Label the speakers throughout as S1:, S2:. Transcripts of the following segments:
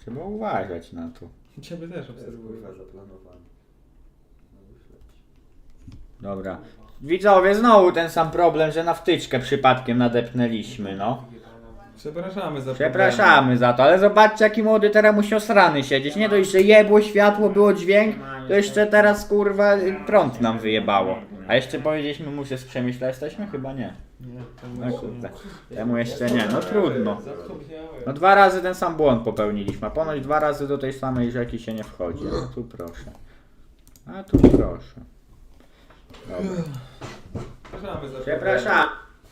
S1: Trzeba uważać na to.
S2: Ciebie też
S3: To jest
S2: obserwuję.
S3: kurwa zaplanowane. No wyśleć.
S1: Dobra. Widzowie, znowu ten sam problem, że na wtyczkę przypadkiem nadepnęliśmy, no.
S2: Przepraszamy za
S1: Przepraszamy za to, ale zobaczcie jaki młody teraz musi osrany siedzieć. Nie dość, że jebło światło, było dźwięk, to jeszcze teraz kurwa prąd nam wyjebało. A jeszcze powiedzieliśmy mu, że z Przemyśla jesteśmy? Chyba nie.
S2: Nie,
S1: No kurde. Temu jeszcze nie, no trudno.
S2: Zapomniałem.
S1: No 2 razy ten sam błąd popełniliśmy, a ponoć 2 razy do tej samej rzeki się nie wchodzi. No tu proszę. A tu proszę. Dobra.
S2: Przepraszamy za
S1: Przepraszam.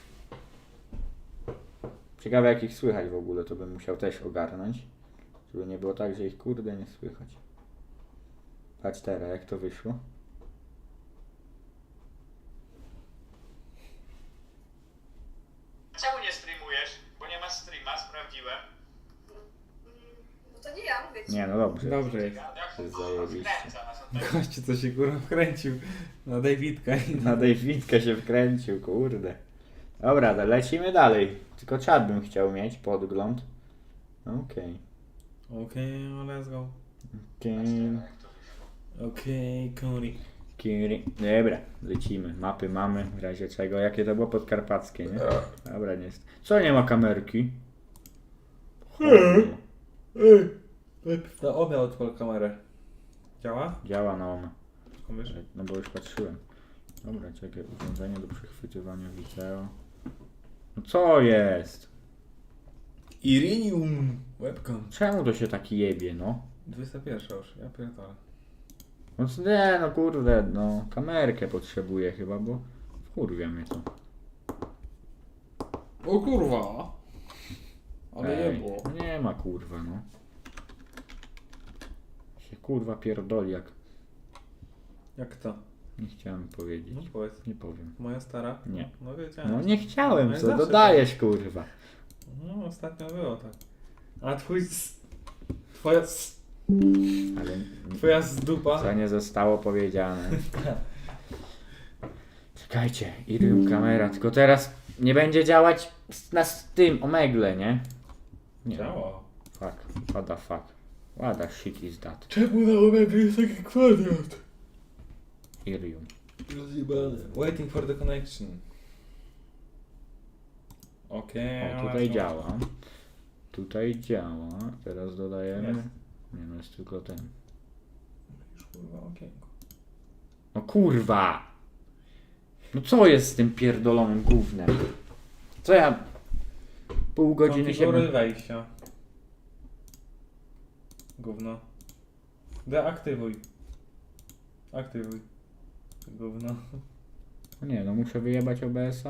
S1: Ciekawe jak ich słychać w ogóle, to bym musiał też ogarnąć. Żeby nie było tak, że ich kurde nie słychać. Patrz teraz, jak to wyszło. Czemu nie streamujesz? Bo nie masz streama, sprawdziłem.
S4: No to nie ja, mówię ci.
S1: Nie, no dobrze.
S2: Dobrze jest.
S1: To jest zajebiście.
S2: Gościu co się kurwa wkręcił na Davidka.
S1: Na Davidkę się wkręcił, kurde. Dobra, to lecimy dalej. Tylko czat bym chciał mieć, podgląd. Okej.
S2: Okej, let's go.
S1: Okej.
S2: Okej, Cody.
S1: Dobra, lecimy. Mapy mamy, w razie czego. Jakie to było podkarpackie, nie? Dobra, nie jest. Co nie ma kamerki?
S2: To obie odpal kamerę. Działa?
S1: Działa na ona.
S2: Skąd wiesz?
S1: No bo już patrzyłem. Dobra, czekaj, urządzenie do przechwytywania wideo. No co jest?
S2: Irinium webcam.
S1: Czemu to się taki jebie, no?
S2: 21 już, ja pierdolę.
S1: No nie, no kurde, no kamerkę potrzebuję chyba, bo wkurwia mnie to.
S2: O kurwa! Ale
S1: Ej,
S2: nie było.
S1: no nie ma kurwa, no. Się kurwa pierdoli jak...
S2: Jak to?
S1: Nie chciałem
S2: No
S1: powiedzieć.
S2: powiedz.
S1: Nie powiem.
S2: Moja stara?
S1: Nie.
S2: No wiedziałem.
S1: No nie chciałem,
S2: No i
S1: co
S2: zawsze
S1: dodajesz kurwa.
S2: tak. No ostatnio było tak. A twoja
S1: Ale
S2: twoja zdupa.
S1: co nie zostało powiedziane. Czekajcie, Irium kamera, tylko teraz nie będzie działać z tym omegle, nie? Nie.
S2: Działa.
S1: Fuck, what the fuck. What the shit is that?
S2: Czemu na omega jest taki kwadrat?
S1: Irium.
S2: Rozjebane. Waiting for the connection. Okej.
S1: O, tutaj działa. Tutaj działa. Teraz dodajemy.
S2: Jest.
S1: Nie no, jest tylko ten.
S2: Już kurwa okienko.
S1: No kurwa! No co jest z tym pierdolonym gównem? Co ja... Pół godziny się...
S2: Konfiguruj wejścia. Gówno. Deaktywuj. Aktywuj. Gówno.
S1: Nie no, muszę wyjebać OBS-a.